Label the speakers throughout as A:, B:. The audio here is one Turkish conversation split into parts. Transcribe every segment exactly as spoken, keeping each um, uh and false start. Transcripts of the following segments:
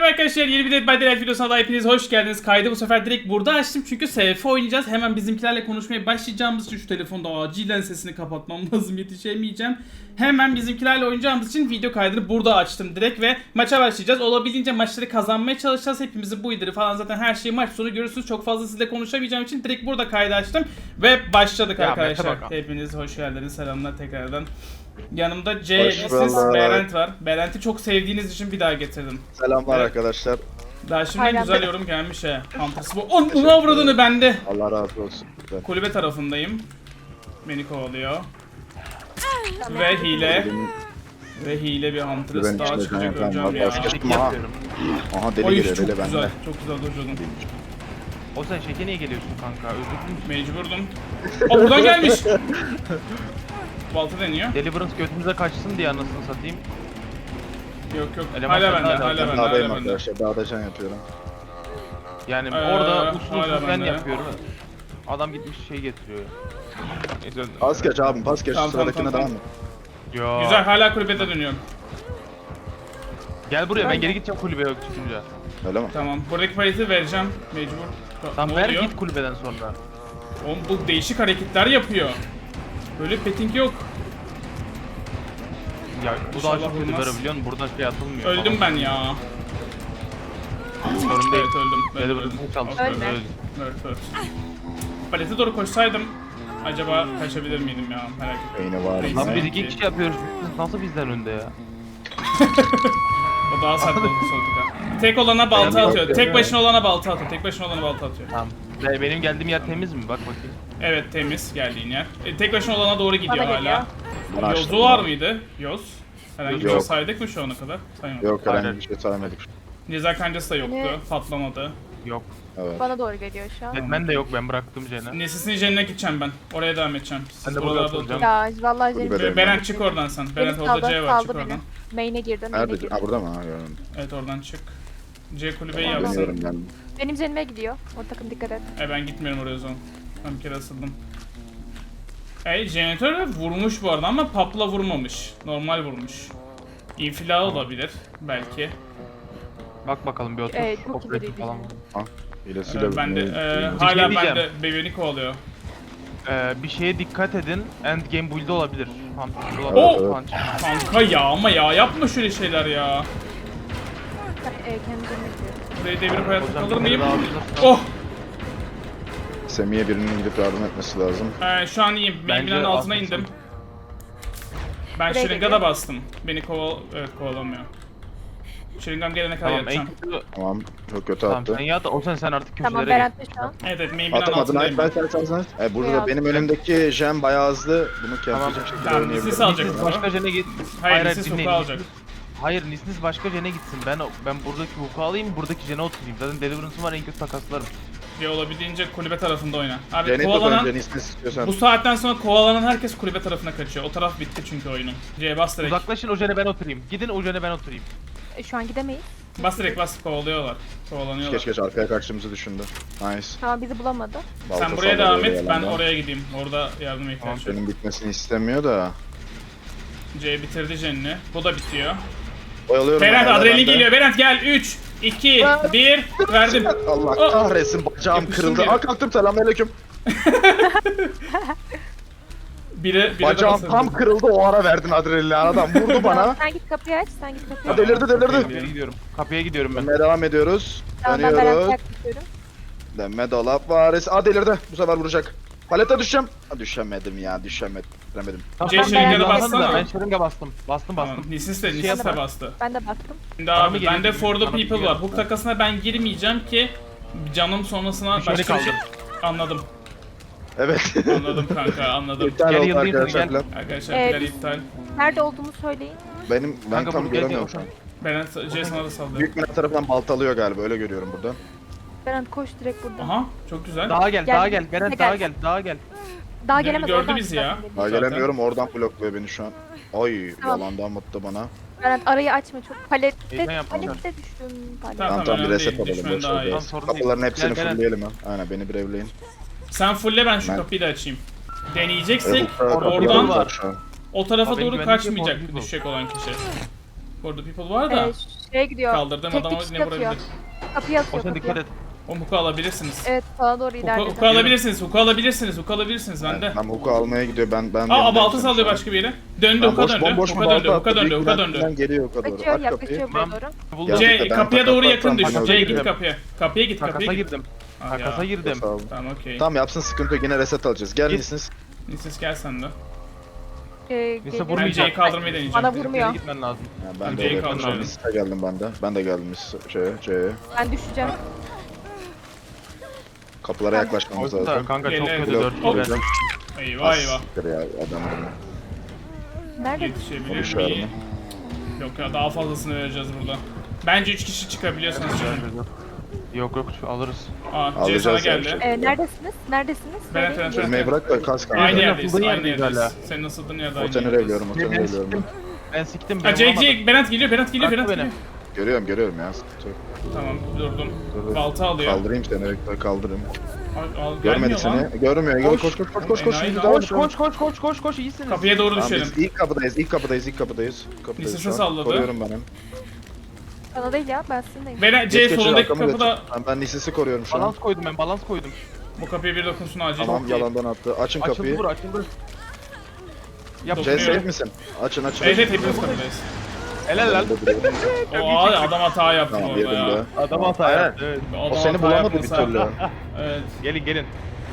A: Merhaba arkadaşlar, yeni bir Dead by Daylight videosuna da hepiniz hoş geldiniz. Kaydı bu sefer direkt burada açtım çünkü S F oynayacağız. Hemen bizimkilerle konuşmaya başlayacağımız için şu telefonda acilen sesini kapatmam lazım, yetişemeyeceğim. Hemen bizimkilerle oynayacağımız için video kaydını burada açtım direkt ve maça başlayacağız. Olabildiğince maçları kazanmaya çalışacağız. Hepimizin bu idiri falan zaten her şeyi maç sonu görürsünüz. Çok fazla sizle konuşamayacağım için direkt burada kaydı açtım ve başladık ya arkadaşlar. Hepiniz hoş geldiniz, selamlar tekrardan. Yanımda C, Lisis, Berent var. Berent'i çok sevdiğiniz için bir daha getirdim.
B: Selamlar
A: evet.
B: Arkadaşlar.
A: Daha şimdi Aynen. Güzel yorum gelmiş he. Hunter's bu. Onu avradını bende.
B: Allah razı olsun. Evet.
A: Kulübe tarafındayım. Beni kovalıyor. Ve hile. Ve hile bir Hunter's daha çıkacak öleceğim ya.
B: Aha. Aha deli
A: Oy,
B: geliyor
A: çok
B: deli
A: güzel,
B: bende.
A: çok güzel dojladın.
C: O sen şeke niye geliyorsun kanka? Özür dilerim.
A: Mecburdum. Aa buradan gelmiş. Balta deniyor.
C: Deliverance götümüze kaçsın diye anasını satayım.
A: Yok yok.
C: Eleman
A: Hala bende,
C: zaten
A: hala bende,
B: Dağdayım
A: hala bende.
B: arkadaşlar. Dağda can yapıyorum.
C: Yani
A: Ee,
C: orada usul
A: hala
C: usul ben
A: bende.
C: yapıyorum. Adam gitmiş şey getiriyor. Neyse.
B: Pas geç abim pas geç.
A: Tamam,
B: Sıradakine
A: tamam,
B: devam et.
C: Ya.
A: Güzel, hala kulübede dönüyorum.
C: Gel buraya, ben geri gideceğim kulübeye yok çıkınca.
B: Öyle mi?
A: Tamam, buradaki paleti vereceğim mecbur.
C: Tamam
A: Ne
C: ver
A: oluyor?
C: git kulübeden sonra.
A: Oğlum bu değişik hareketler yapıyor. Böyle petting yok.
C: Ya bu da
A: İnşallah
C: çok kötü
A: olmaz.
C: böyle biliyor musun? Burada şey atılmıyor.
A: Öldüm ben ya.
C: Sorun değil.
A: Evet öldüm. Ben öldüm.
C: Deliverance'ı çalıştı.
A: Ölme.
C: Öldü.
A: Evet evet. Palete doğru koşsaydım acaba kaçabilir miydim ya, merak ettim.
B: Beyni var.
A: Neyse.
C: Lan biz
B: Neyse.
C: iki kişi yapıyoruz. Nasıl bizden önde ya?
A: O daha saklı oldu soltuka. Tek olana balta
C: Ben-
A: atıyor. Tek başına olana balta atıyor. Tek başına olana balta atıyor.
C: Tamam. Be- Benim geldiğim yer temiz mi? Bak bakayım.
A: Evet temiz geldiğin yer. E, tek başına olana doğru gidiyor
D: Bana
A: hala.
D: geliyor.
B: Bana açtım
A: Yozu var
B: ben.
A: mıydı? Yoz. Herhangi bir
B: Yok.
A: şey saydık mı şu ana kadar? Saymadık.
B: Yok herhangi
C: Aynen.
B: bir şey saymadık.
A: Ceza kancası da yoktu.
D: Ne?
A: Patlamadı.
C: Yok.
B: Evet.
D: Bana doğru geliyor şu an.
C: Batman de yok, ben bıraktım Jen'e.
A: Nesis'in jenine gideceğim ben. Oraya devam edeceğim. Siz
C: Ben de burada
A: buralarda
C: oturacağım.
A: oturun.
D: Ya vallahi
B: Kulübede.
D: Jennifer.
A: Berent çık oradan sen. Berent
D: Beni
A: orada
D: saldı,
A: C var, çık
D: saldı
A: oradan.
D: beni. Main'e girdi, main'e
B: Nerede?
D: girdi.
B: Ha burada mı? Ha gördüm.
A: Evet oradan çık. C kulübeyi
D: Tamam,
A: yapsın.
B: Dönüyorum ben.
D: Benim Jennifer'e gidiyor. O takım dikkat et.
A: E ben gitmiyorum oraya o zaman. Ben bir kere asıldım. E jeneratör vurmuş bu arada ama papla vurmamış. Normal vurmuş. İnfila olabilir belki.
C: Bak bakalım bir otur.
D: Evet, çok
C: Operatif
D: ileriydi
C: falan.
D: yani.
A: Ee,
B: İlesiyle
A: ben de e,
B: bir-
A: hala
C: şey
A: bende
C: diyeceğim.
A: bebeni kovalıyor.
C: Ee, bir şeye dikkat edin. Endgame build olabilir. Hunter
A: Oo!
C: olabilir. Punch.
A: Kanka ya ama ya yapma şöyle şeyler ya.
D: Ben e, kendi Jennifer'e gidiyorum.
A: Burayı devirip hayatta
C: Hocam,
A: kalır
C: bir
A: mıyım?
C: kere daha alırsan-
A: Oh!
B: Semih'e birinin gidip yardım etmesi lazım.
A: Ee, şu an iyiyim. Benim
C: Bence
A: binanın altına
C: atlasın.
A: indim. Ben
D: Buraya
A: şırınga da
D: geliyor.
A: bastım. Beni koval... Evet kovalamıyor. Şırıngam gelene kadar
C: Tamam en
A: yatacağım.
C: kötü.
B: Tamam. Çok kötü
C: Tamam
B: attı.
C: sen yat. O sen sen artık köşelere
D: Tamam
C: git.
D: Berent de şu an.
A: Evet evet main binanın
B: Atamadın.
A: altındayım.
B: Hayır ben sen sen sen. E burada
D: Beyaz.
B: da benim önümdeki jam bayağı hızlı. Bunu kempleyecek şekilde
A: Tamam,
B: oynayabilirim.
A: Nislis alacak.
C: Nisnis başka jene git.
A: Hayır, Nislis
C: dinleyin.
A: huku alacak.
C: Hayır Nisnis başka jene gitsin. Ben ben buradaki huku alayım, buradaki jene oturayım. Zaten Deliverance'ım var, en kötü takaslarım.
A: Ve olabildiğince kulübe tarafında oyna. Abi
B: Cennet yok
A: kovalanan...
B: önce Nislis istiyorsan.
A: Bu saatten sonra kovalanan herkes kulübe tarafına kaçıyor. O taraf bitti çünkü oyunun. C bas direkt.
C: Uzaklaşın, o jene ben oturayım. Gidin o jene ben oturayım.
D: E, şu an gidemeyiz.
A: Bas direkt bas, kovalıyorlar. Kovalanıyorlar.
B: Geç geç arkaya kaçtığımızı düşündü. Nice.
D: Tamam bizi bulamadı.
B: Balta
A: Sen buraya
B: sallıyor
A: devam
B: böyle
A: et, ben
B: yalandan.
A: oraya gideyim. Orada yardıma ihtiyaç var.
B: Benim bitmesini istemiyor da.
A: C bitirdi Jen'ini. Bu da bitiyor.
B: Oyalıyorum.
A: Berent
B: ben,
A: adrenalin
B: ben de.
A: geliyor. Berent gel. üç, iki, bir. Verdim.
B: Allah
A: Oh.
B: kahretsin bacağım
A: Yapıştım
B: kırıldı.
A: geri.
B: Aa kalktım selamünaleyküm.
A: Biri, biri de
B: Bacağım
A: basıldı.
B: tam kırıldı o ara verdin adrenalini adam vurdu bana.
D: Sen git kapıyı aç, sen git kapıyı
B: Ha,
D: aç.
B: delirdi
C: Kapıya
B: delirdi.
C: gidiyorum. Kapıya gidiyorum ben.
B: Dönmeye devam ediyoruz.
D: Tamam ben Berent'e
B: Dönüyoruz.
D: yaklaşıyorum.
B: Dönme dolap varis. Aa delirdi. Bu sefer vuracak. Palete düşeceğim. Ha düşemedim ya düşemedim. Düşemedim.
A: C
D: Ben
A: şırınga da
D: Berent'e
A: bassana.
C: Ben şırınga bastım. Bastım
A: Tamam.
C: bastım.
A: Nisis de,
C: Şey
A: Nisis de
C: yapma.
A: bastı.
D: Ben de bastım.
A: Şimdi
C: Bana mı
A: abi
C: geliyor?
A: bende For the
C: Bana mı
A: People
C: geliyor?
A: var. Hook takasına ben girmeyeceğim ki canım sonrasına
C: Bir şeyini
A: başka bir şey...
C: kaldır.
A: Anladım.
B: Evet.
A: Anladım kanka anladım.
B: İptal
C: Gel
B: oldu
C: yıldayım,
B: arkadaşlar.
C: gel.
B: plan.
A: Arkadaşlar
D: Ee,
A: plan
D: biz-
A: iptal.
D: Nerede olduğunu söyleyin.
B: Benim ben
C: Kanka
B: tam
C: bunu gel
B: göremiyorum
C: gel.
B: şu an.
A: Berent C sana da sallıyor.
B: Büyük bina tarafından baltalıyor galiba öyle görüyorum burada.
D: Berent koş direkt buradan.
A: Aha çok güzel.
C: Daha gel,
D: Gel.
C: daha gel. Beren
D: Gel.
C: daha gel, daha gel.
D: Daha
A: Gördü
D: gelemez oradan
A: bizi ya.
D: çıkarsın beni.
B: Daha
A: Zaten.
B: gelemiyorum oradan blokluyor beni şu an. Ay
D: Tamam.
B: yalandan mutlu bana.
D: Berent arayı açma çok. Palette,
C: Heyecan yapma.
D: palette düştüm. Palet.
A: Tamam.
B: Tamam tamam bir
A: önemli
B: reset
A: değil,
B: alalım
A: düşman
B: boş
A: daha
B: ver
A: iyi.
B: biraz.
C: Tamam, sorun değil.
B: Kapıların hepsini
C: Gel, Beren.
B: fullleyelim ha. Aynen beni bir evleyin.
A: Sen fulle ben şu
B: Ben-
A: kapıyı da açayım. Deneyeceksek
C: orada
A: oradan
C: var.
B: Şu an.
A: o tarafa
C: Abi
A: doğru
C: benim güvenlik
A: kaçmayacak
C: yok, people.
A: düşecek olan kişi. Orada people var da.
D: Ee, Şeye gidiyor.
A: Kaldırdığım
D: Tek
A: adama
D: dikiş
A: ne
D: atıyor.
A: vurabilir?
D: Kapıya atıyor.
C: Oğuzhan
D: kapıya.
C: dikkat et.
A: O huku alabilirsiniz.
D: Evet sana doğru
A: Huku,
D: ilerledi.
A: huku alabilirsiniz, huku alabilirsiniz, huku alabilirsiniz bende.
B: Ben Huku almaya gidiyor. Ben ben
A: Aa
B: yanındayım
A: balta
B: senin
A: sallıyor
B: şu an.
A: başka bir yere. Döndü,
B: Ben
A: huka
B: boş
A: döndü,
B: bomboş
A: huka
B: mu
A: döndü,
B: balta
A: huka
B: attı?
A: döndü,
B: Büyük
A: huka
B: Bülent'ten
A: döndü.
B: geliyor huka doğru.
D: Kaçıyor
B: Aç kapıyı.
D: yaklaşıyor buraya doğru.
C: Buldum.
A: C,
B: ben
A: kapıya
B: takas
A: doğru yakın
B: yapsam
A: düş.
B: bana
A: C
B: öyle
A: git
B: geliyor.
A: kapıya. Kapıya git, kapıya
C: Takasa
A: git.
C: girdim.
A: Ah
C: Takasa
A: ya.
C: girdim.
B: Sağ ol.
A: Tamam okey.
B: Tamam yapsın sıkıntı yok. Yine reset alacağız. Gel
C: Git.
B: misiniz?
A: Nisis gel sen de.
D: Ee,
C: Neyse,
D: geliyor.
A: Ben
C: vurmayacağım.
A: C'yi kaldırmayı deneyeceğim.
D: Bana
C: Geri
D: vurmuyor.
C: gitmen lazım.
B: Ya
A: Ben
B: ben de
A: C'yi
B: öyle.
A: kaldırıyorum.
B: Mis'e geldim ben de. Ben de geldim Mis şeye, C'ye.
D: Ben düşeceğim.
B: Kapılara yaklaşmamız
C: Orta
B: lazım.
C: kanka çok
A: Gel,
C: kötü
A: gel.
C: dört
A: Hop.
C: kilo.
A: Eyvah eyvah.
B: Siktir ya adam bunu.
D: Nerede?
A: Yetişebilir
B: Konuşuyor
A: miyim? Yok ya daha fazlasını vereceğiz burada. Bence üç kişi çıkabiliyorsunuz şimdi.
C: Yok yok alırız.
A: Aa C
B: Alacağız
A: sana
B: ya,
A: geldi.
B: bir şey.
D: Ee, neredesiniz? Neredesiniz?
A: Ben
D: Söyleyin.
A: evet, evet.
B: Sürmeyi bırak da kas kanka.
A: Aynı
C: Senin
A: yerdeyiz,
C: asıldığın
A: aynı
C: yerdeyiz
A: yerdeyiz.
C: hala.
A: Senin asıldığın yerde aynı
B: Oteni
A: yerdeyiz.
B: revliyorum, oteni
C: Ben
B: revliyorum.
C: siktim. Ben siktim.
A: Ha
C: ben
A: C,
C: vuramadım.
A: C, Berat geliyor, Berat geliyor,
C: Bıraktı
A: Berat
C: beni.
A: geliyor.
B: Görüyorum görüyorum ya. Sıkıntı yok.
A: Tamam durdum.
B: Dur, dur.
A: Balta alıyor.
B: Kaldırayım seni bekle kaldırayım.
A: Al, al,
B: Görmedi
A: gelmiyor lan.
B: seni. Görmüyor. Gel
C: Koş.
B: koş koş koş koş koş.
A: Enayi
B: Şimdi
A: lan.
B: devam
C: Koş
B: et.
C: koş koş koş koş koş iyisiniz.
A: Kapıya doğru
B: Tamam,
A: düşelim.
B: biz ilk kapıdayız, ilk kapıdayız, ilk kapıdayız. Kapıdayız
A: Lisesi
B: şu an.
A: salladı.
B: Koruyorum ben hem.
D: Bana değil ya ben sizinleyim.
A: Berat C
B: Geç, geç,
A: solundaki
B: arkamı
A: kapıda
B: geç. Ben, ben Nisis'i koruyorum şu an.
C: Balans koydum ben balans koydum.
A: bu kapıya bir dokunsun acil.
B: Tamam yalandan attı. Açın
C: Açıldı
B: kapıyı.
C: bura açıldı. Yap.
A: Dokunuyor.
B: C safe misin? Açın açın.
A: Evet
B: açın.
A: evet hepimiz kapıdayız.
C: Helal lan.
A: O adam hata yaptı
B: Tamam
A: orada
B: yedim
A: ya.
B: de.
C: Adam hata
B: Evet.
C: yaptı. Evet.
A: Adam
B: O seni
A: hata
B: bulamadı bir
A: yapmasa-
B: türlü.
A: Evet.
C: Gelin gelin.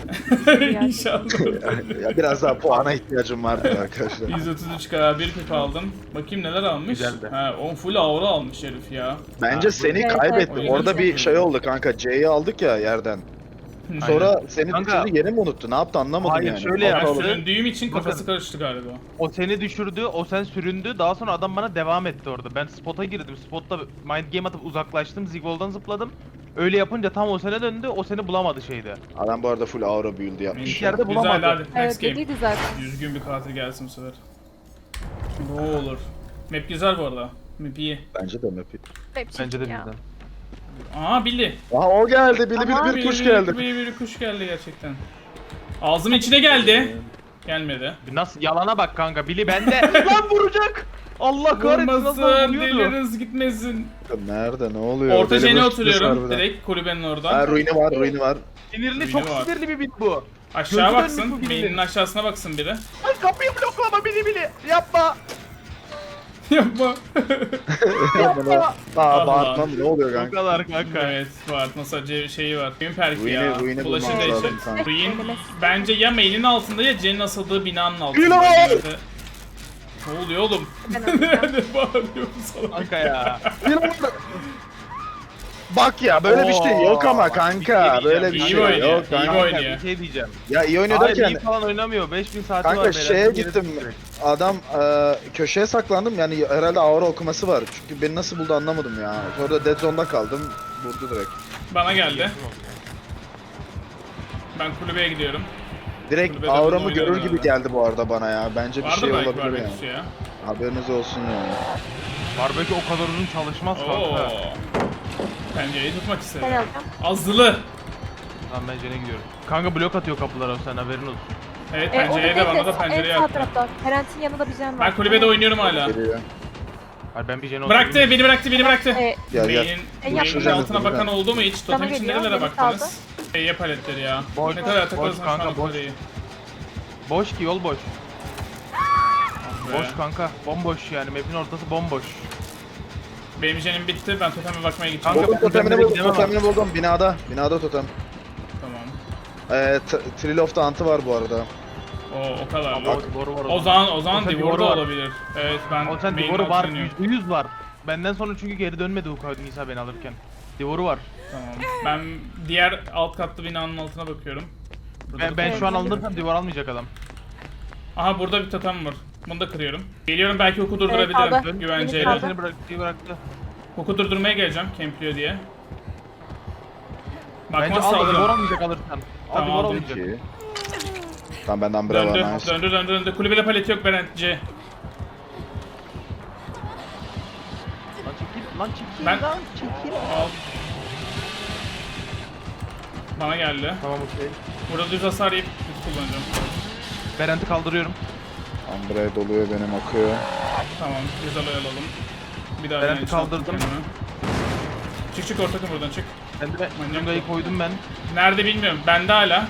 A: İnşallah.
B: Ya biraz daha puana ihtiyacım vardı arkadaşlar.
A: yüz otuz üç K bir pip aldım. Bakayım neler almış.
C: Güzeldi.
A: Ha, on full aura almış herif ya.
B: Bence
A: Ha,
B: seni
D: Evet,
B: kaybettim.
A: evet.
B: Orada bir şey oldu kanka. C'yi aldık ya yerden.
A: bu-
B: Sonra seni
C: Kanka.
B: düşürdü yeri mi unuttu? Ne yaptı anlamadım
C: Hayır,
B: yani.
C: şöyle
A: Ben
C: yaptı.
A: süründüğüm için
C: Bakın.
A: kafası karıştı galiba.
C: O seni düşürdü, o sen süründü. Daha sonra adam bana devam etti orada. Ben spot'a girdim. Spotta mind game atıp uzaklaştım. Zigol'dan zıpladım. Öyle yapınca tam o sene döndü. O seni bulamadı şeyde.
B: Adam bu arada full aura build yapmış.
C: İlk yerde
A: Güzel
C: bulamadı.
A: hadi. Next
D: Evet
A: game.
D: dediydi zaten.
A: Düzgün bir katil gelsin bu sefer. Ne olur. Map güzel bu arada. Map iyi.
B: Bence de map.
D: Hep
C: Bence de
D: çirkin ya.
C: bizden.
A: Aa Billy.
B: Aha o geldi. Bili
D: Aha,
B: bili bir kuş geldi.
A: Bir, bir, bir kuş geldi gerçekten. Ağzımın içine geldi. Gelmedi.
C: Nasıl yalana bak kanka. Bili bende. Lan vuracak. Allah kahretsin nasıl
A: Vurmasın,
C: vuruyordu.
A: dilleriniz gitmesin.
B: Nerede ne oluyor?
A: Orta
B: Deli
A: jene
B: boş
A: oturuyorum.
B: harbiden.
A: Direkt kulübenin
B: Ha
A: oradan.
B: ruini var ruini var.
C: Sinirli çok
A: Bili var.
C: sinirli bir bit bu.
A: Aşağı
C: Gözü
A: baksın.
C: dönmüş bu Billy'nin.
A: Beyninin aşağısına baksın biri.
C: Ay kapıyı bloklama Bili Bili. Yapma.
A: Yapma.
B: Yapma. Aa
A: Allah.
B: bağırtmam ne oluyor
C: O
B: kanka?
C: kadar kanka.
A: Evet var. Nasıl şeyi var. Gün perki
B: Ruin'i-
A: ya.
B: ruin'i
A: Flaşı
B: bulmamız
A: değişir.
B: lazım sanki.
A: Ruin bence ya main'in altında ya C'nin asıldığı binanın altında.
B: Bilal!
A: Bir yerde. Ne oluyor oğlum?
D: Ben alacağım.
A: Ne bağırıyorsun sana?
C: Kanka ya.
B: Bak ya böyle bir şey yok ama
C: Oo,
B: kanka.
C: bir şey
B: Böyle bir
A: diyeceğim.
B: şey
A: İyi oynuyor,
B: yok
A: iyi
B: kanka.
A: oynuyor.
C: Bir şey diyeceğim.
B: Ya iyi oynuyor
C: Hayır iyi
B: derken
C: falan oynamıyor. beş bin saati var.
B: kanka
C: beyler.
B: şeye
C: Yine
B: gittim.
C: direkt.
B: Adam e, köşeye saklandım yani herhalde aura okuması var. Çünkü beni nasıl buldu anlamadım ya. Sonra da dead zone'da kaldım. Vurdu direkt.
A: Bana geldi. Ben kulübeye gidiyorum.
B: Direkt
A: Kulübede
B: auramı
A: bunu
B: görür
A: oynadı
B: gibi
A: herhalde.
B: geldi bu arada bana ya. Bence bir
A: Vardı
B: şey
A: belki
B: olabilir yani.
A: barbeküsü ya.
B: Haberiniz olsun yani.
C: Barbekü o kadar uzun çalışmaz
A: Oo.
C: kanka.
A: Pencereyi tutmak
D: Ben
A: istedim.
D: alacağım.
A: Azılı.
C: Tamam ben Jen'e gidiyorum. Kanka blok atıyor kapılara sen haberin olsun.
A: Evet
D: E, o da
A: pencereye de
D: değil
A: bana
D: de
A: da pencereye
D: en sağ
A: attı.
D: tarafta. Ferent'in yanında bir jen var.
A: Ben kulübede oynuyorum hala.
B: Geliyor.
C: Hayır ben bir Jen'e
A: Bıraktı, beni bıraktı, beni bıraktı.
D: E,
B: Gel gel.
A: Beynin,
D: En
A: beynin
D: yakın-
A: altına bakan oldu mu hiç?
D: Bana
A: Totem için
D: geliyor,
A: nerelere
D: beni
A: baktınız? Eye paletleri ya.
C: Boş,
A: Ne kadar
C: boş
A: takılırsan şu
C: kanka,
A: an
C: boş.
A: parayı.
C: Boş ki yol boş.
A: Be.
C: Boş kanka. Bomboş yani map'in ortası bomboş.
A: Benim jenim bitti, ben toteme bakmaya gideceğim.
C: Kanka,
B: Buldum totemini
C: totemleri
B: buldum,
C: gidemem
B: totemini buldum. Binada. Binada totem.
A: Tamam.
B: Ee, t- Trill of the Hunt'ı var bu arada.
A: O, o kadar.
C: Ama o Divor'u var
A: O zaman, o zaman
C: Oten
A: Divor da
C: Divor'u var.
A: olabilir. Evet ben
C: O sen
A: main
C: Divor'u var.
A: altını oynuyorum.
C: yüzde yüz var. Benden sonra çünkü geri dönmedi Ukay Nisa beni alırken. Divor'u var.
A: Tamam. Ben diğer alt katlı binanın altına bakıyorum. Burada
C: Ben,
A: da
C: ben
A: totem
C: şu an
A: var.
C: alınırsam Divor almayacak adam.
A: Aha burada bir totem var. Bunu da kırıyorum. Geliyorum belki oku
D: Evet,
A: durdurabilirim
D: aldı.
C: Dön,
A: güvenceyle.
D: Kaldı.
C: Seni bıraktı, bıraktı.
A: Oku durdurmaya geleceğim Kempliyor diye.
C: Bence
A: Bakmazsa
C: al Divor
A: alırım.
C: almayacak alırsan. Al
A: Tamam,
C: Divor
A: aldım.
C: almayacak.
B: İyi. Tamam benden bire var.
A: Döndü,
B: Nice.
A: döndü, döndü, döndü. Kulübede palet yok Berent C.
C: Lan çekil, lan çekil,
A: Ben-
C: lan çekil.
A: Al. Bana geldi.
C: Tamam okey.
A: Burada düz hasar yiyip düz kullanacağım.
C: Berent'i kaldırıyorum.
B: Ambre doluyor benim akıyor.
A: Tamam, güzel oyalalım. Bir daha
C: Ben
A: yani
C: kaldırdım.
A: kendime. Çık çık orta buradan çık.
C: Ben de
A: Manyak
C: Zunga'yı
A: bu.
C: koydum ben.
A: Nerede bilmiyorum. Bende hala.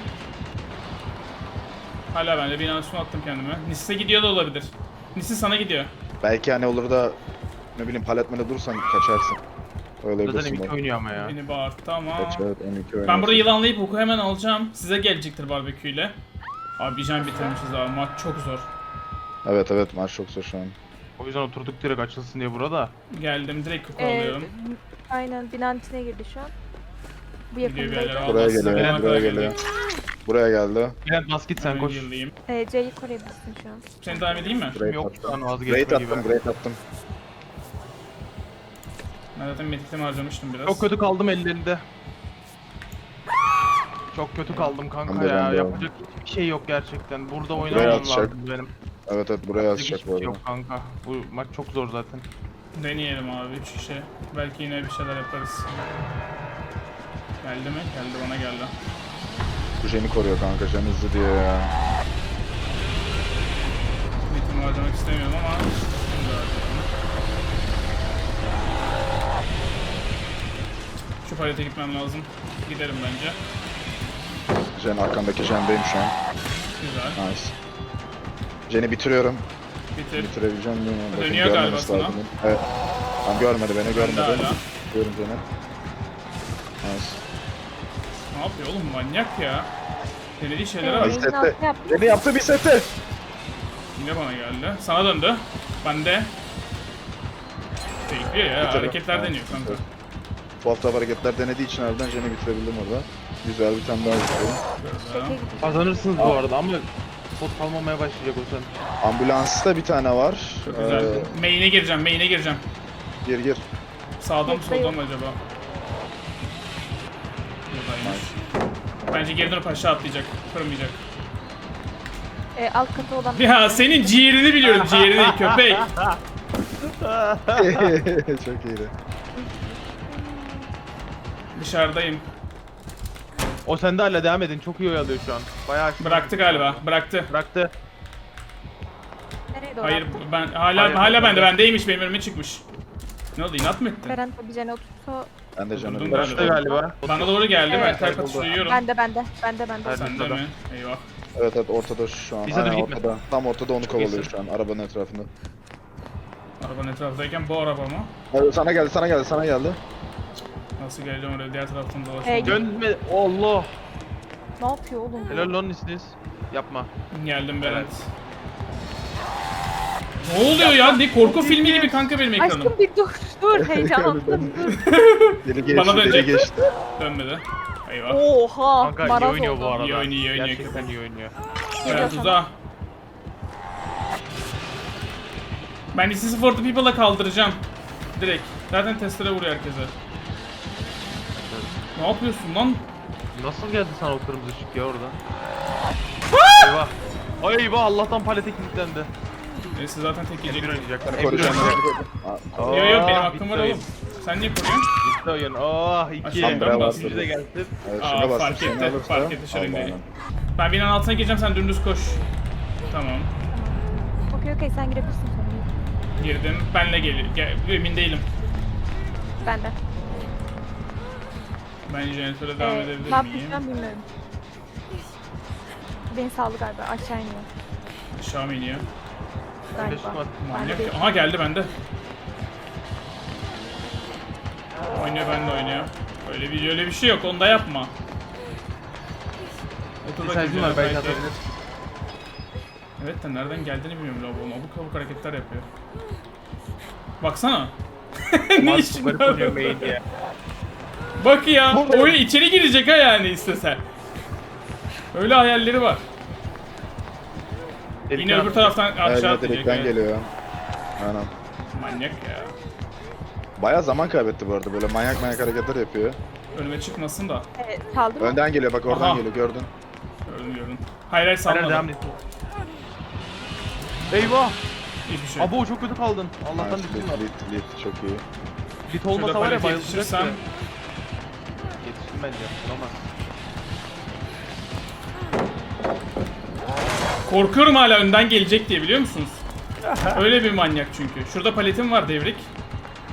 A: Hala bende. Bir üstüne attım kendime. Nis'e gidiyor da olabilir. Nis'e sana gidiyor.
B: Belki hani olur da ne bileyim paletmede dursan kaçarsın. Öyle
C: Zaten
B: bilirsin
C: M iki
B: bak.
C: oynuyor ama ya.
A: Beni bağırttı ama.
B: Kaç evet M iki
A: Ben
B: oynarsın.
A: burada yılanlayıp oku hemen alacağım. Size gelecektir barbeküyle. Abi bir can bitirmişiz abi. Maç çok zor.
B: Evet evet maç çok zor şu an.
C: O yüzden oturduk direkt açılsın diye burada.
A: Geldim direkt koku
D: Ee,
A: alıyorum.
D: aynen binanın içine girdi şu an. Bu
A: Gidiyor bir yerlere
D: yakındaydı.
B: Buraya
A: almazsa
B: geliyor,
A: ben
B: buraya
A: kadar
B: geliyor.
A: gelecek.
B: Buraya geldi.
C: Bülent bas git sen
A: Hemen
C: koş.
A: yıldayım.
D: Ee, C'yi koruyabilirsin şu an.
A: Seni devam edeyim mi?
B: Great
C: Yok
B: attım.
C: lan
B: Great
C: vazgeçme gibi.
B: attım, great attım.
A: Ben zaten medikimi harcamıştım biraz.
C: Çok kötü kaldım ellerinde. Çok kötü kaldım kanka
B: Ben de,
C: ya.
B: ben de.
C: Yapacak hiçbir şey yok gerçekten. Burada
B: Buraya
C: oynamam
B: atacak.
C: lazım benim.
B: Evet evet buraya
C: Yapacak
B: yazacak
C: hiçbir
B: bu
C: şey
B: arada.
C: yok kanka. Bu maç çok zor zaten.
A: Deneyelim abi üç kişi. Belki yine bir şeyler yaparız. Geldi mi? Geldi bana geldi.
B: Bu Jen'i koruyor kanka, Jen hızlı diye ya.
A: Medikimi harcamak istemiyorum ama şimdi harcayalım. Şu palete gitmem lazım. Giderim bence.
B: Jen arkandaki Jen'deyim şu an.
A: Güzel.
B: Nice. Jen'i bitiriyorum.
A: Bitir.
B: Bitirebileceğim değil mi? Bakın,
A: Dönüyor galiba
B: görmemesi
A: sana.
B: lazım. Evet. Tam görmedi beni, görmedi.
A: hala.
B: Görüyorum Jen'i. Nice.
A: Ne yapıyor oğlum manyak ya. Denediği şeylere
D: Ee,
A: bak.
B: Bir
D: Jen'in
B: sette.
D: altına yaptı.
B: Jen'i yaptı bir sette.
A: Yine bana geldi. Sana döndü. Ben de. Bekliyor ya.
B: Bitir.
A: Hareketler
B: Evet,
A: deniyor kanka.
B: bitir. Bu hafta hareketler denediği için harbiden Jen'i bitirebildim orada. Güzel bir tane daha bitirdim.
D: Şeke
A: Böyle.
D: gidiyor.
C: Kazanırsınız bu arada ama spot kalmamaya başlayacak o sen.
B: Ambulansta bir tane var.
A: Çok güzel.
B: Ee,
A: Main'e gireceğim. Main'e gireceğim.
B: gir gir.
A: Sağdan mı
D: Yok,
A: soldan
D: yok.
A: mı acaba? Buradaymış. Bence geri dönüp aşağı atlayacak. Kırmayacak.
D: Ee, alt katı olan...
A: Ya senin ciğerini biliyorum. Ciğerini köpek.
B: Çok iyiydi.
A: Dışarıdayım.
C: O sende hala devam edin. Çok iyi oyalıyor şu an. Bayağı aşırı-
A: Bıraktı galiba. Bıraktı.
C: Bıraktı.
D: Nereye doğru
A: Hayır
D: attı?
A: ben hala
C: Hayır,
A: hala bende
C: bende.
A: bendeymiş benim önüme çıkmış. Ne oldu inat mı ettin?
D: Beren tabii Jen'e otursa...
B: Ben de Jen'i
A: Durdum
B: bıraktım.
C: Bıraktı galiba.
A: Bana doğru geldi ben
D: Evet.
A: kalp atışı duyuyorum.
D: Bende bende. Bende bende.
C: Hadi.
A: Sende mi? Eyvah.
B: Evet evet ortada şu an.
C: Bize dur,
B: Aynen
C: gitme.
B: ortada. Tam ortada onu kovalıyor
C: iyisin.
B: şu an arabanın etrafında.
A: Arabanın etrafındayken bu araba mı?
B: Evet, sana geldi sana geldi sana geldi.
A: Nasıl geleceğim oraya diğer taraftan
D: Ee,
A: dolaşmam.
C: Dönme. Allah.
D: Ne yapıyor oğlum? bu?
C: Helal lan isiniz. Yapma.
A: Geldim Berat. Ne oluyor ya? Ne korku filmi gibi kanka benim ekranım.
D: Aşkım bir dur. Dur heyecanlandım. dur.
B: Deli geçti
A: Bana
B: deli
A: dönecek.
B: geçti.
A: Dönmedi. Eyvah.
D: Oha.
C: Kanka iyi
D: maraz
C: oynuyor bu
D: oldu.
C: arada.
A: İyi oynuyor, iyi oynuyor.
C: Gerçekten iyi oynuyor.
D: Geliyor
A: Berat
D: sana.
A: uza. Ben This is for the People'la kaldıracağım. Direkt. Zaten testere vuruyor herkese. Ne yapıyorsun lan?
C: Nasıl geldi sana o kırmızı ışık ya orada? Eyvah. Ay eyvah Allah'tan palete kilitlendi.
A: Neyse zaten tek
C: M bir
A: yiyecek.
C: oynayacaklar. M bir
B: Koruyacağım.
C: oynayacaklar.
B: Aa,
A: Yo yo benim
C: Aa,
A: hakkım
C: bitti
A: var
C: oyun.
A: oğlum. Sen niye koruyorsun?
C: Bitti oyun. Oh iki.
A: Aşağıdan
C: Ben
A: bastım.
C: Üçüncü de gelsin.
B: Evet,
A: Aa,
B: şuna bastım,
A: fark
B: seni
A: etti,
B: alırsa-
A: fark etti, şöyle
B: Allah'ım.
A: değil. Ben binanın altına gireceğim sen dümdüz koş. Tamam.
D: Okey okey sen girebilirsin sonra.
A: Girdim. Benle gel. gel emin değilim.
D: Bende.
A: Ben jeneratöre devam
D: Ee,
A: edebilir
D: ne
A: miyim?
D: yapacağım bilmiyorum. Beni sağlı galiba aşağı iniyor.
A: Aşağı mı iniyor?
C: Ben de
D: Galiba.
C: şunu at-
D: Ben de
A: Manyak.
D: değil.
A: Aha geldi bende. Oynuyor ben de oynuyor. Öyle bir öyle bir şey yok. Onu da yapma.
C: Bir
A: Otur
C: sayfim var belki atabilir.
A: Evet de nereden geldiğini bilmiyorum lavabonun. Abuk abuk hareketler yapıyor. Baksana. ne işin
C: Garip
A: var?
C: oynuyor main ya.
A: Bak ya.
B: Burada.
A: Oyun içeri girecek ha yani istesen. Öyle hayalleri var. Yine
C: Delikten
A: öbür taraftan
B: Evet,
A: aşağı
B: evet,
A: atlayacak.
B: delikten
A: evet.
B: geliyor. Aynen.
A: Manyak ya.
B: Bayağı zaman kaybetti bu arada, böyle manyak manyak hareketler yapıyor.
A: Önüme çıkmasın da.
D: Evet, saldı mı?
B: Önden geliyor bak, oradan
A: Aha.
B: geliyor, gördün.
A: Gördüm gördüm. Hayır hayır
C: Aynen devam
A: salmadım.
C: et. Eyvah!
A: Hiçbir şey.
C: Abo çok kötü kaldın. Allah'tan
B: Nice,
C: litin var.
B: lit, lit, lit, çok iyi.
C: Lit
A: Şurada
C: olmasa var ya
A: palete
C: bayılacak
A: yetişirsem.
C: ya. Yetiştim bence. Olmaz.
A: Korkuyorum hala önden gelecek diye biliyor musunuz? Öyle bir manyak çünkü. Şurada paletim var devrik.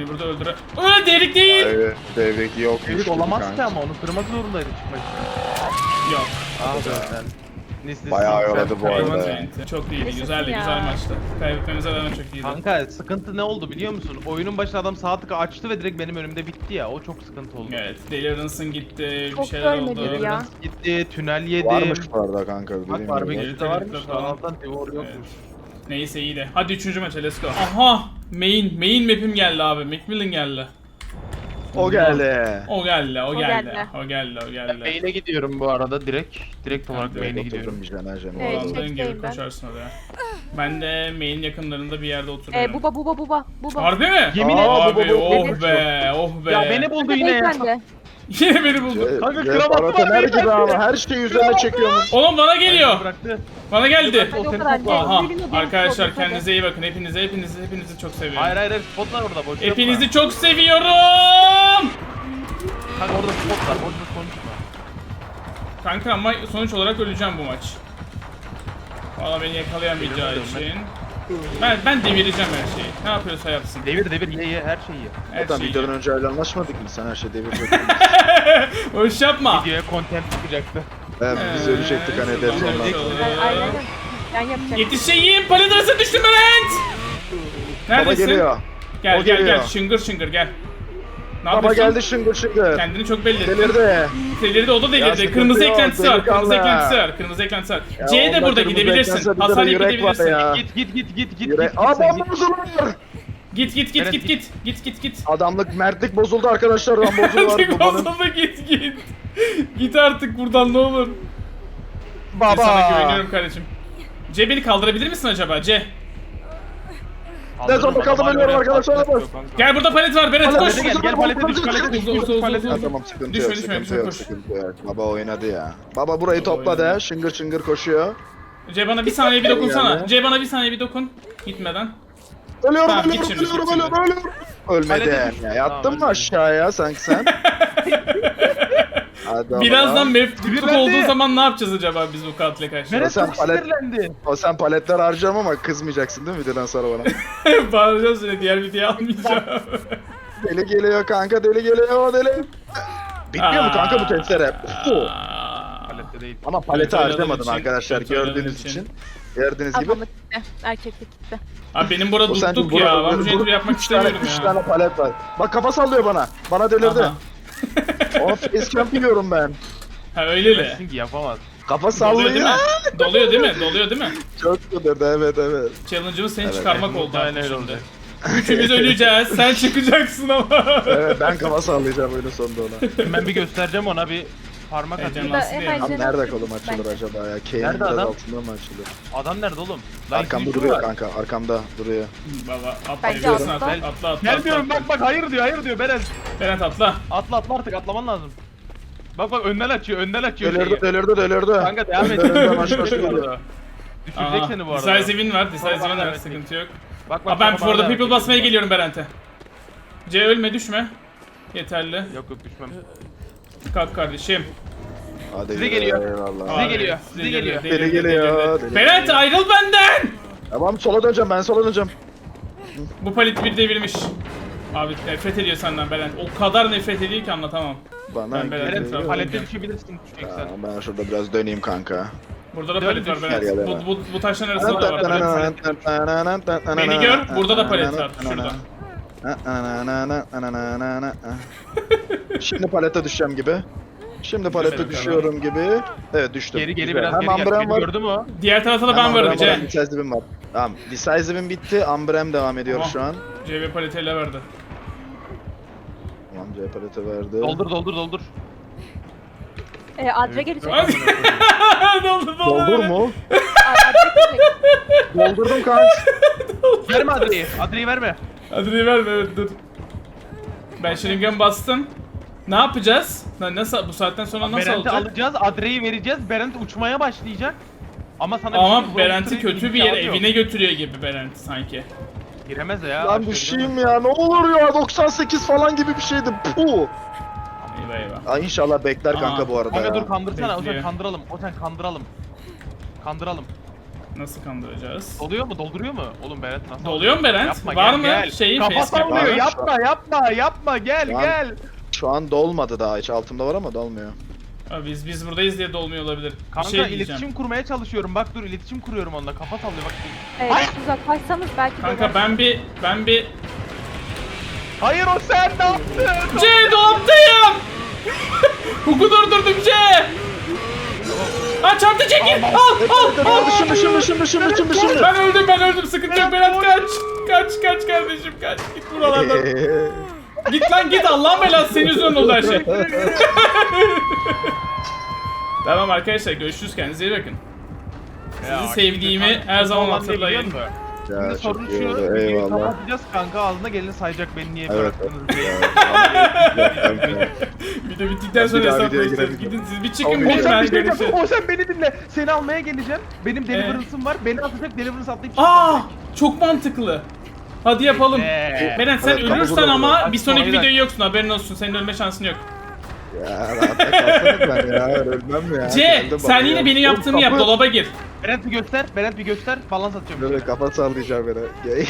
A: Beni burada öldüre... Öyle delik değil.
B: Evet, devrik yok.
C: Devrik olamaz ki ama onu kırmak zorundaydı çıkmak için.
A: Yok.
C: Ah be sen. Nis,
B: Bayağı yoradı bu
A: Kaybolmaz
B: arada.
A: yani. Çok iyiydi,
D: Yaşasın
A: güzeldi,
D: ya.
A: güzel maçtı. Kaybetmemize rağmen çok iyiydi.
C: Kanka sıkıntı ne oldu biliyor musun? Oyunun başında adam sağ tıkı açtı ve direkt benim önümde bitti ya. O çok sıkıntı oldu.
A: Evet, Delirance'ın gitti, bir
D: Çok
A: şeyler
D: görmedik
A: oldu.
D: ya.
C: Gitti, tünel yedim.
B: Varmış bu arada kanka.
C: Bak
B: dediğim gibi.
C: barbekü de varmış.
A: Falan.
C: Allah'tan Devor yokmuş.
A: Evet. Neyse iyi de. Hadi üçüncü maça, let's go. Aha! Main, main map'im geldi abi. Macmillan geldi.
B: O geldi.
A: O geldi, o,
D: O
A: geldi.
D: geldi.
A: O geldi, o
C: Ben
A: geldi.
C: main'e gidiyorum bu arada direkt. Direkt olarak
A: direkt
C: main'e gidiyorum.
B: Oturdum jene jene.
D: Evet,
A: Olandığın gibi
D: çekteyim ben.
A: koşarsın oraya. Ben de main yakınlarında bir yerde oturuyorum.
D: Ee, buba buba buba buba.
A: Harbi mi?
C: Yemin
B: Aa,
A: Abi
B: bu, bu, bu,
A: oh
B: bu.
A: be, oh be.
C: Ya beni buldu yine ya.
D: Beyefendi.
A: Yine beni buldu.
C: Kanka,
B: Kanka
C: kravatı var
B: Paratener
C: beyefendi.
B: gibi ama her şeyi üzerine çekiyormuş.
A: Oğlum bana geliyor.
C: Bıraktı.
A: Bana geldi.
D: Hadi o
C: seni
D: kadar.
C: topla.
A: Aha.
D: Gelin, gelin,
A: Arkadaşlar
D: gelin, hadi.
A: kendinize iyi bakın. Hepinizi, hepinizi, hepinizi çok seviyorum.
C: Hayır hayır hayır spotlar orada boş yapma.
A: Hepinizi çok seviyorum.
C: Kanka orada spotlar boş boş konuşma.
A: Kanka ama sonuç olarak öleceğim bu maç. Valla beni yakalayamayacağı
C: Devirme,
A: için. Ben ben devireceğim her şeyi. Ne yapıyorsa yapsın.
C: Devir devir ye ye her şeyi ye.
A: Her
B: Zaten
A: şeyi.
B: videodan önce öyle anlaşmadık mı? Sen her şeyi devirecektin.
A: Boş yapma.
C: Videoya content çıkacaktı.
B: Evet, biz öyle çektik hani
A: Ee,
B: Dead
A: tamam,
B: Zone'dan.
A: tamam.
D: Ben aynen. Ben yapacağım.
A: Yetişeyim. Palet arasına düştüm Bülent.
B: Baba
A: Neredesin?
B: geliyor.
A: Gel
B: O
A: gel
B: geliyor.
A: gel. Şıngır şıngır gel. Ne
B: Baba
A: yapıyorsun?
B: geldi şıngır şıngır.
A: Kendini çok belli ettin.
B: Delirdi.
A: Delirdi, o da delirdi.
B: sıkıntı
A: Kırmızı
B: yok,
A: eklentisi var.
B: delikanlı.
A: Kırmızı eklentisi var. Kırmızı eklentisi var.
B: Ya
A: C de
B: onda
A: burada
B: kırmızı
A: gidebilirsin.
B: eklense bir de
A: Hasar yiyip
B: yürek var
A: gidebilirsin.
B: ya.
C: Git git git git git
B: Yürek.
C: git
B: Aa
C: sen
B: bomba
C: git.
B: bozulur.
A: Git git git
C: Evet,
A: git
C: git.
A: git. Git git git.
B: Adamlık mertlik bozuldu arkadaşlar. Lan bozuldu
A: Artık
B: var babanın.
A: bozuldu, git git. Git artık buradan ne olur. Ben sana
B: Baba.
A: güveniyorum kardeşim. C beni kaldırabilir misin acaba C?
B: Ne zorunda kaldım, ölüyorum arkadaşlar.
A: Gel burada palet var Berat koş.
C: Palete gel gel palete düş palete düş
A: Uza, uza, uza,
C: palete
A: uza.
B: Ha, tamam sıkıntı
A: Düşme,
B: yok
A: düşme,
B: sıkıntı
A: düşme,
B: yok
A: koş.
B: sıkıntı yok. Baba oynadı ya. Baba burayı
A: Baba
B: topladı
A: oynadı.
B: ha. Şıngır şıngır koşuyor.
A: C bana bir saniye bir dokunsana.
B: Yani.
A: C bana bir saniye bir dokun. Gitmeden.
B: Ölüyorum
A: Tamam, git
B: ölüyorum
A: şimdi,
B: ölüyorum
A: git şimdi.
B: ölüyorum ölüyorum. Ölmedi.
C: Palete düş.
B: Ya, yattın
C: Tamam,
B: mı
C: ölmedi.
B: aşağıya sanki sen? Hadi baba.
A: Birazdan mef tutuk
C: Sinirlendi.
A: olduğu zaman ne yapacağız acaba biz bu katle karşı?
C: Meret
B: Sen
C: çok
B: palet-
C: sinirlendi.
B: O sen paletler harcam ama kızmayacaksın değil mi videodan sonra bana?
A: Bağıracağım seni, diğer videoyu almayacağım.
B: Deli geliyor kanka, deli geliyor deli. Bitmiyor mu kanka bu testere? Puh.
A: Aa.
C: Palette değil.
B: Ama paleti
A: Kötü oynadığım
B: harcamadın
A: için,
B: arkadaşlar
A: kötü oynadığım
B: gördüğünüz
A: için.
B: için. Gördüğünüz gibi.
D: Adamlık gitti. Erkeklik gitti.
A: Abi benim burada
B: O sen
A: tuttuk ya. Ben bu jenturi yapmak
B: üç tane,
A: istemiyorum
B: üç
A: ya.
B: tane palet var. Bak kafa sallıyor bana. Bana delirdi.
A: Aha.
B: Ona facecamp yiyorum ben.
A: Ha öyle mi?
C: Çünkü yapamaz.
B: Kafa
A: Doluyor değil mi?
B: sallıyor.
A: Doluyor değil mi? Doluyor değil mi?
B: Çok delirdi evet evet.
A: Challenge'ımız seni
B: Evet,
A: çıkarmak oldu
C: Muhtemelen
A: artık
C: öyle
A: şimdi.
C: olacak.
A: Üçümüz öleceğiz. Sen çıkacaksın ama.
B: Evet ben kafa sallayacağım oyunun sonunda ona.
C: Ben bir göstereceğim ona bir parmak atayım.
A: Heyecanlansın
D: Burada
A: diye.
D: hemen-
B: Abi
D: Cenab-
B: nerede kolum açılır
D: Bence.
B: acaba ya? K'nin
C: Nerede
B: biraz
C: adam?
B: altında mı açılır?
C: Adam nerede oğlum? Lan
B: Arkamda
C: yüzü
B: duruyor
C: var.
B: kanka arkamda duruyor.
A: Baba atla.
D: Bence
A: Biliyorsun,
D: atla.
A: atla. Atla atla.
C: Gelmiyorum
A: atla.
C: bak bak hayır diyor hayır diyor Beren.
A: Berat atla.
C: Atla atla artık atlaman lazım. Bak bak önden açıyor önden açıyor
B: Delirdi
C: şeyi.
B: delirdi delirdi.
C: Kanka devam et.
B: Önden önden aşağı geliyor.
C: Düşürecek
A: Aha.
C: seni bu arada.
A: Decisive'in var. Decisive'in
C: Sonra
A: var.
C: bana
A: Sıkıntı yok.
C: Bak bak.
A: Aa, ben
C: sonra
A: for
C: bana
A: the
C: devam
A: people
C: et.
A: basmaya geliyorum Berent'e. C ölme düşme. Yeterli.
C: Yok yok düşmem.
A: Kalk kardeşim.
B: Hadi
C: Size
B: yürü,
C: geliyor.
B: eyvallah.
C: Size
A: Abi,
C: geliyor, size
A: delirdi,
C: geliyor.
A: delirdi,
B: Deli geliyor,
A: delirdi.
B: deli
A: Berent
B: geliyor.
A: ayrıl benden.
B: Tamam sola döneceğim ben sola döneceğim.
A: Bu palet bir devirmiş. Abi nefret ediyor senden Berent. O kadar nefret ediyor ki anlatamam.
B: Bana
A: Ben Beren'in
B: geliyor.
A: tarafı-
C: Palette düşebilirsin düşeceksen.
B: Tamam, ben şurada biraz döneyim kanka.
A: Burada da
C: Dön,
A: palet var
C: düş.
A: Berent.
B: Gel, gel,
A: Bu,
B: gel.
A: bu, bu taşların arasında da var. Palet. Beni gör, burada da palet var, şurada.
B: Şimdi palete düşeceğim gibi. Şimdi palete
A: Düşemedim.
B: düşüyorum gibi. Evet düştüm.
C: Geri geri
B: Güzel.
C: biraz
B: Hem
C: geri gel.
B: Ambrem
C: Beni
B: var.
C: gördün mü?
A: Diğer tarafta da
B: hem
A: ben
B: Ambrem
A: varım
B: var, hem
A: C.
B: Decisive'im var. Tamam. Decisive'im bitti. Ambrem devam ediyor
A: Tamam.
B: şu an.
A: C ve paleti ele verdi.
B: Tamam C palete verdi.
C: Doldur doldur doldur.
D: Ee, Adre gelecek.
A: Hadi. Doldu doldu.
B: Doldur mu?
D: Aa, Adre gelecek.
B: Doldurdum kanka.
C: Verme Adre'yi. Adre'yi verme.
A: Adını verme, evet dur. Ben şırıngan bastım. Ne yapacağız? Na- Nasıl bu saatten sonra nasıl
C: Berent'i
A: olacak?
C: alacağız. Adre'yi vereceğiz. Berent uçmaya başlayacak. Ama sana
A: Ama
C: şey
A: Berent'i
C: zorlaştırıyor,
A: kötü bir yere
C: imkanı yok.
A: evine götürüyor gibi Berent sanki.
C: Giremez ya.
B: Lan
C: aşağı
B: düşeyim ya ne olur ya doksan sekiz falan gibi bir şeydi. Puh.
A: Eyvah eyvah.
B: Aa, inşallah bekler
A: Aa,
B: kanka bu arada
C: Kanka
B: ya.
C: dur kandırsana. O
A: Bekliyor.
C: sen kandıralım. O sen kandıralım. Kandıralım.
A: Nasıl kandıracağız?
C: Doluyor mu? Dolduruyor mu? Oğlum Berat nasıl?
A: Doluyor mu Berent?
C: Yapma,
A: Var
C: gel,
A: mı
C: gel.
A: şeyin
C: Kafa
A: facecam?
C: sallıyor.
B: Var.
C: Yapma yapma yapma gel
B: Lan.
C: gel.
B: Şu an dolmadı daha hiç. Altımda var ama dolmuyor.
A: Abi biz biz buradayız diye dolmuyor olabilir. Bir
C: Kanka
A: şey diyeceğim.
C: iletişim kurmaya çalışıyorum. Bak dur iletişim kuruyorum onunla. Kafa sallıyor bak.
D: Evet,
C: Ay!
D: uzaklaşsanız belki
A: Kanka
D: döner.
A: ben bir ben bir
C: Hayır o sen ne yaptın?
A: C dolaptayım. Huku durdurdum C. Aa çarptı çekil. Al al al.
B: Dışım dışım dışım dışım dışım dışım.
A: Ben öldüm ben öldüm sıkıntı yok Berat kaç. Kaç kaç kardeşim kaç. Git buralardan. Git lan git Allah'ın belası senin yüzünden oldu her şey. Tamam arkadaşlar görüşürüz kendinize iyi bakın. Sizi sevdiğimi her zaman hatırlayın.
C: Şimdi
B: Ya
C: sorun
B: çok iyi
C: şu,
B: oldu.
C: videoyu
B: Eyvallah.
C: kapatacağız kanka ağzına geleni sayacak beni niye
B: Evet.
C: bıraktınız diye.
A: Video bittikten sonra
B: Bir daha videoya
A: hesaplayacağız.
B: girelim.
A: Gidin siz bir çıkın
B: Abi,
A: bir
C: O sen
A: ben
C: bir şey
A: görüşürüz.
C: yapma, o sen beni dinle. Seni almaya geleceğim. Benim deliverance'ım var. Beni atacak deliverance atlayıp
A: Aa çok mantıklı. Hadi yapalım.
C: Ee,
A: Beren sen
B: Evet, kapı
A: ölürsen
B: burada,
A: ama
C: burada.
A: bir sonraki
C: Aynen.
A: videoyu yoksun haberin olsun. Senin ölme şansın yok.
B: Ya rahatta kalsana ben ya. Ölmem ya.
A: C
B: Geldim
A: sen
B: bana
A: yine
B: ya.
A: benim
B: Oğlum,
A: yaptığımı yap
B: kapı-
A: dolaba gir.
C: Berent bir göster. Berent bir göster. Balans atıyorum.
B: Böyle kafa sallayacağım beni.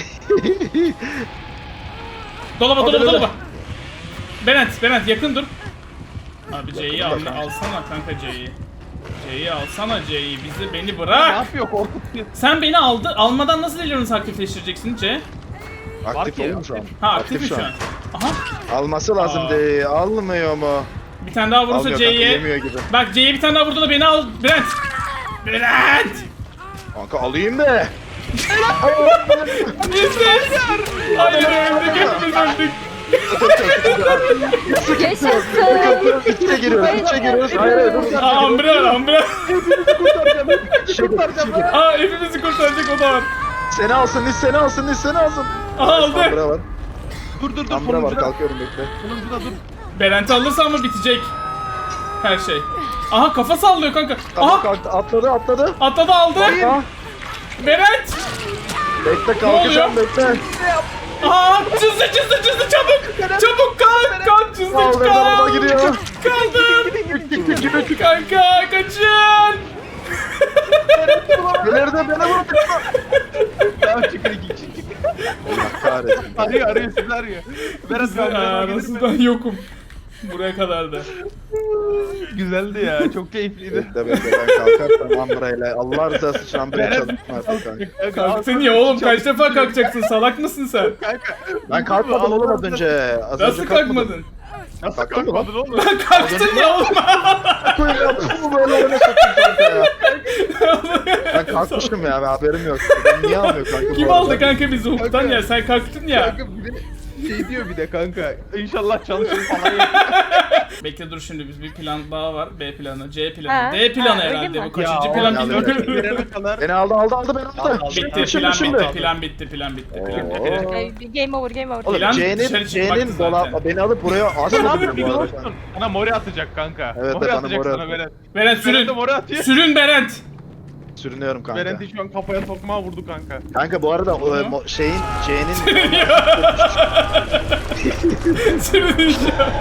A: Dolaba
B: Hadi
A: dolaba
B: böyle.
A: dolaba. Berent Berent yakın dur. Abi C'yi al, alsana kanka C'yi. C'yi alsana C'yi bizi beni
C: Ne
A: bırak.
C: yapıyor korkutuyor.
A: Sen beni aldı almadan nasıl deliverance aktifleştireceksin C?
B: Aktif
C: Var ki,
B: oğlum şu an.
A: Ha aktif mi şu an? Aha
B: Alması lazım
A: Aa.
B: de. Almıyor mu?
A: bir tane daha vurursa
B: Almıyor kanka,
A: C'ye.
B: yemiyor gibi.
A: Bak C'ye bir tane daha vurdu da beni al Berent. Berent.
B: Kanka alayım be.
A: Bizler. Hayır öldük hepimiz öldük.
D: Yaşasın.
B: İçe giriyoruz, içe giriyoruz. Hayır hayır dur.
A: Aa Ambra Ambra.
B: İçe gir.
A: Aa hepimizi kurtaracak o da var.
B: Seni alsın, Nis seni alsın, Nis seni alsın.
A: Aha aldı.
B: Ambra var.
C: Dur dur dur.
B: Ambra var,
C: Sonuncuda.
B: kalkıyorum bekle.
C: Sonuncuda dur.
A: Berent'i alırsa ama bitecek. Her şey. Aha kafa sallıyor kanka.
B: Tamam
A: Aha
B: kalktı, atladı, atladı.
A: atladı aldı.
B: Aha,
A: Berent.
B: bekle kalkacağım,
A: oluyor?
B: bekle.
A: Aa çizdi çizdi çizdi çabuk. Çabuk kalk kalk çizdi
B: Kaldı, araba
A: kalk.
B: gidiyor.
A: Kaldır. Kanka kaçın.
B: Belirdi, beni vurdu.
C: Tamam çıkın iki kişi.
B: Allah kahretsin.
C: Arıyor arıyor sizi arıyor. Berat
A: Aa,
C: kalkıyor.
A: nasıl ben yokum. Buraya kadardı.
C: Güzeldi ya. Çok keyifliydi.
B: Bekle bekle ben kalkarsam Ambra'yla. Allah rızası için Ambra'ya
C: Berat-
B: çalışma artık kanka.
A: Kalktın ya oğlum kaç defa kalkacaksın salak mısın sen?
C: Kanka.
B: Ben kalkmadım oğlum az önce. Az
A: Nasıl
B: önce kalkmadım.
A: kalkmadın?
C: Nasıl
B: Kalktın mı
C: kalkmadın oğlum?
A: Ben kalktın ya oğlum.
B: Koyun yaptım mı böyle öyle satayım kanka ya. Ben kalkmışım ya, ben haberim yok. Ben niye almıyor kanka?
A: Kim
B: bu
A: aldı
B: arada?
A: kanka bizi hukuktan ya sen kalktın ya.
C: Kanka bir de şey diyor bir de kanka. İnşallah çalışır falan. ya.
A: Bekle dur şimdi biz bir plan daha var. B planı, C planı,
D: Ha,
A: D planı
D: ha, öyle
A: herhalde
D: mi?
A: bu. Kaçıncı
C: Ya,
A: plan
B: ya,
A: bilmiyorum.
C: Verene kadar.
B: Beni aldı aldı aldı beni aldı.
A: Bitti
B: Şimdi,
A: plan
B: şimdi,
A: bitti,
B: şimdi.
A: plan bitti, plan bitti, plan bitti.
B: Oo.
A: plan bitti.
D: Ee, Game over, game over.
B: Oğlum
A: Plan dışarı
B: C'nin
A: çıkmaktı
B: C'nin
A: zaten.
B: dolap beni alıp buraya
C: Sen
B: asmadı
C: abi bir
B: bu arada.
C: dostun. Sana mori atacak kanka.
B: Evet,
C: mori
B: bana
C: atacak
B: mori
C: sana
B: atıyor.
C: Berent.
A: Berent
C: Berent de
A: sürün.
C: mori atıyor.
A: Sürün Berent.
B: Sürünüyorum kanka.
C: Berent'i şu an kafaya sokmağa vurdu kanka.
B: Kanka bu arada o,
A: Hı?
B: mo- şeyin C'nin
A: Sürün.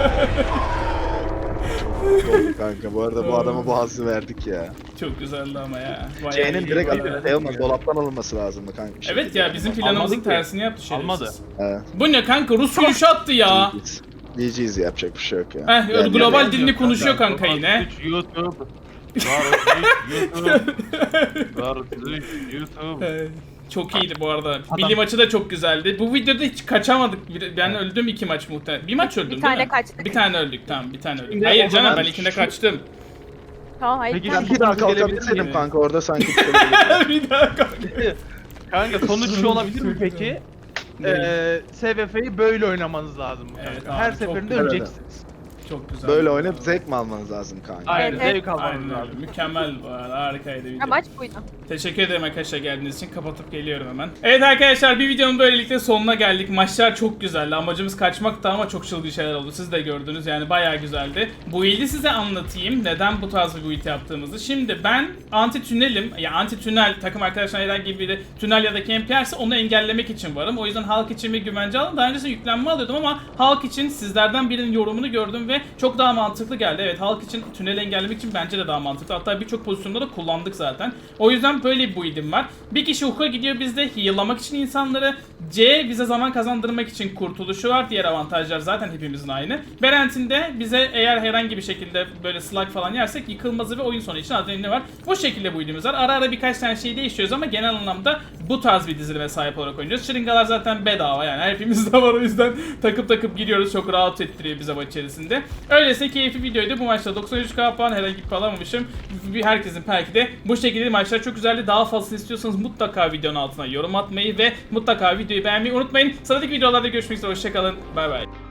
B: kanka bu arada bu adama bu hazzı verdik ya.
A: Çok güzeldi ama ya. Bayağı
B: C'nin
A: iyi
B: direkt
A: bayağı.
B: alıp şey olmaz, dolaptan alınması lazımdı kanka. bir
A: Evet
B: şekilde.
A: ya bizim planımızın
C: Almadı ki.
A: tersini yaptı şerefsiz.
C: Almadı.
B: Evet.
A: Bu ne kanka Rus yürüyüşü attı ya.
B: G G's yapacak bir şey yok ya.
A: Heh
B: Yani-
A: global
B: yani-
A: dilini konuşuyor kanka yine.
C: YouTube. YouTube. YouTube. YouTube.
A: Ee, Çok iyiydi bu arada.
C: Adam-
A: Milli maçı da çok güzeldi. Bu videoda hiç kaçamadık. Bir- Ben öldüm iki maç muhtemelen. Bir maç öldüm
D: Bir
A: değil
D: tane
A: mi?
D: kaçtık.
A: Bir tane öldük tamam bir tane öldük.
C: Şimdi
A: Hayır
C: o
A: canım
C: zaman
A: ben ikinde
B: şu-
A: kaçtım.
D: Tamam hayır.
C: Peki,
D: tamam.
B: Ben bir daha
C: Gelebilir
B: kalkabilseydim
C: miyim?
B: kanka orada sanki bir şey olurdu.
A: bir daha kalk.
C: Kanka sonuç şu olabilir mi peki? Ee, S V F'yi böyle oynamanız lazım kanka.
A: Evet
C: Her
A: abi, çok
C: seferinde
A: güzel.
C: öleceksiniz.
A: Çok güzel.
B: Böyle oynayıp zevk mi almanız lazım kanka?
C: Aynen
D: Evet, evet.
C: zevk almanız
A: Aynen öyle.
C: lazım.
A: Mükemmel bu arada. Harikaydı video.
D: Amaç buydu.
A: Teşekkür ederim arkadaşlar geldiğiniz için. Kapatıp geliyorum hemen. Evet arkadaşlar bir videonun böylelikle sonuna geldik. Maçlar çok güzeldi. Amacımız kaçmaktı ama çok çılgın şeyler oldu. Siz de gördünüz yani bayağı güzeldi. Bu build'i size anlatayım. Neden bu tarz bir build yaptığımızı. Şimdi ben anti tünelim. Ya anti tünel takım arkadaşlar herhangi biri tünel ya da camp yerse onu engellemek için varım. O yüzden halk için bir güvence aldım. Daha öncesinde yüklenme alıyordum ama halk için sizlerden birinin yorumunu gördüm ve göre çok daha mantıklı geldi. Evet, halk için tünel engellemek için bence de daha mantıklı. Hatta birçok pozisyonda da kullandık zaten. O yüzden böyle bir build'im var. Bir kişi hook'a gidiyor bizde heal'lamak için insanları. C bize zaman kazandırmak için kurtuluşu var. Diğer avantajlar zaten hepimizin aynı. Berent'in de bize eğer herhangi bir şekilde böyle slug falan yersek yıkılmazı ve oyun sonu için adrenalini var. Bu şekilde build'imiz var. Ara ara birkaç tane şey değiştiriyoruz ama genel anlamda bu tarz bir dizilime sahip olarak oynuyoruz. Şırıngalar zaten bedava yani hepimizde var, o yüzden takıp takıp giriyoruz. Çok rahat ettiriyor bize maç içerisinde. Öyleyse keyifli videoydu. Bu maçta doksan üç K puan, herhangi bir puan alamamışım. Herkesin belki de bu şekilde maçlar çok güzeldi. Daha fazlasını istiyorsanız mutlaka videonun altına yorum atmayı ve mutlaka videoyu beğenmeyi unutmayın. Sıradaki videolarda görüşmek üzere. Hoşçakalın. Bay bay.